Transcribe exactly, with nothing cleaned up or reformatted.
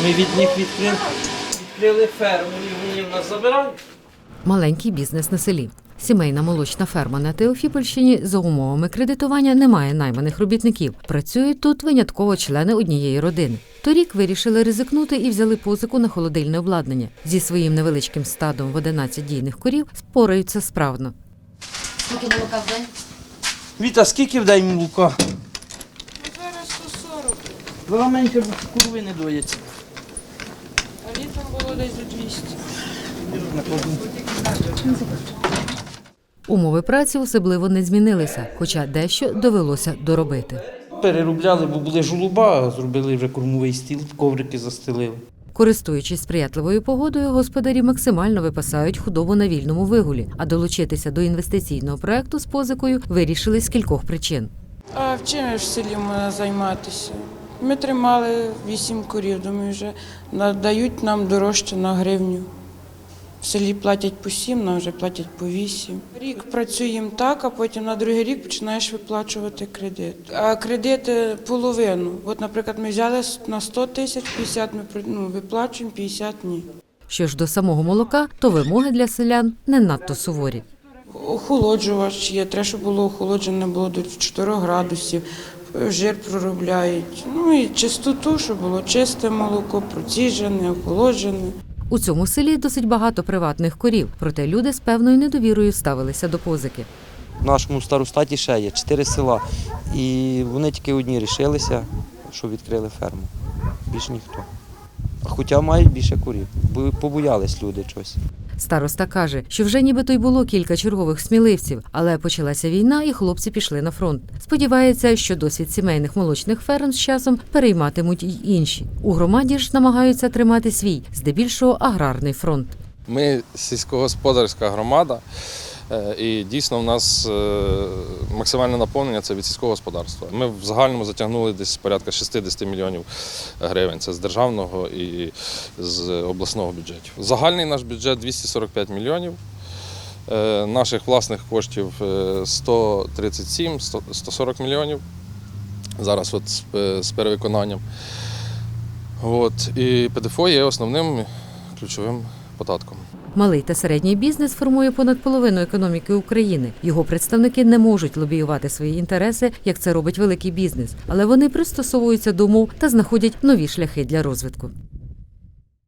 Ми від них відкрили, відкрили ферму і вони в нас забирають. Маленький бізнес на селі. Сімейна молочна ферма на Теофіпольщині за умовами кредитування не має найманих робітників. Працюють тут винятково члени однієї родини. Торік вирішили ризикнути і взяли позику на холодильне обладнання. Зі своїм невеличким стадом в одинадцять дійних корів спораються справно. Скільки молока в день? Віта, скільки в день молока? Зараз сто сорок, Два менше курви не доїться. а літом було десь до двісті. Умови праці особливо не змінилися, хоча дещо довелося доробити. Переробляли, бо були жолуба, зробили вже кормовий стіл, коврики застелили. Користуючись сприятливою погодою, господарі максимально випасають худобу на вільному вигулі, а долучитися до інвестиційного проекту з позикою вирішили з кількох причин. А в чим в селі можна займатися? Ми тримали вісім корів, думаю, вже надають нам дорожче на гривню. В селі платять по сім, нам вже платять по вісім. Рік працюємо так, а потім на другий рік починаєш виплачувати кредит. А кредити половину. От, наприклад, ми взяли на сто тисяч, п'ятдесят ми ну, виплачуємо, п'ятдесят ні. Що ж до самого молока, то вимоги для селян не надто суворі. Охолоджувач є, треба, щоб було охолоджене було до чотирьох градусів, жир проробляють. Ну і чистоту, щоб було чисте молоко, проціжене, охолоджене. У цьому селі досить багато приватних корів, проте люди з певною недовірою ставилися до позики. В нашому старостаті ще є чотири села, і вони тільки одні рішилися, що відкрили ферму. Більш ніхто. Хоча мають більше корів, бо побоялись люди чогось. Староста каже, що вже нібито й було кілька чергових сміливців, але почалася війна і хлопці пішли на фронт. Сподівається, що досвід сімейних молочних ферм з часом перейматимуть й інші. У громаді ж намагаються тримати свій, здебільшого аграрний фронт. Ми сільськогосподарська громада, і дійсно в нас максимальне наповнення – це від сільського господарства. Ми в загальному затягнули десь порядка шістдесят мільйонів гривень. Це з державного і з обласного бюджетів. Загальний наш бюджет – двісті сорок п'ять мільйонів. Наших власних коштів – сто тридцять сім - сто сорок мільйонів. Зараз от з перевиконанням. От. І ПДФО є основним ключовим податком. Малий та середній бізнес формує понад половину економіки України. Його представники не можуть лобіювати свої інтереси, як це робить великий бізнес, але вони пристосовуються до умов та знаходять нові шляхи для розвитку.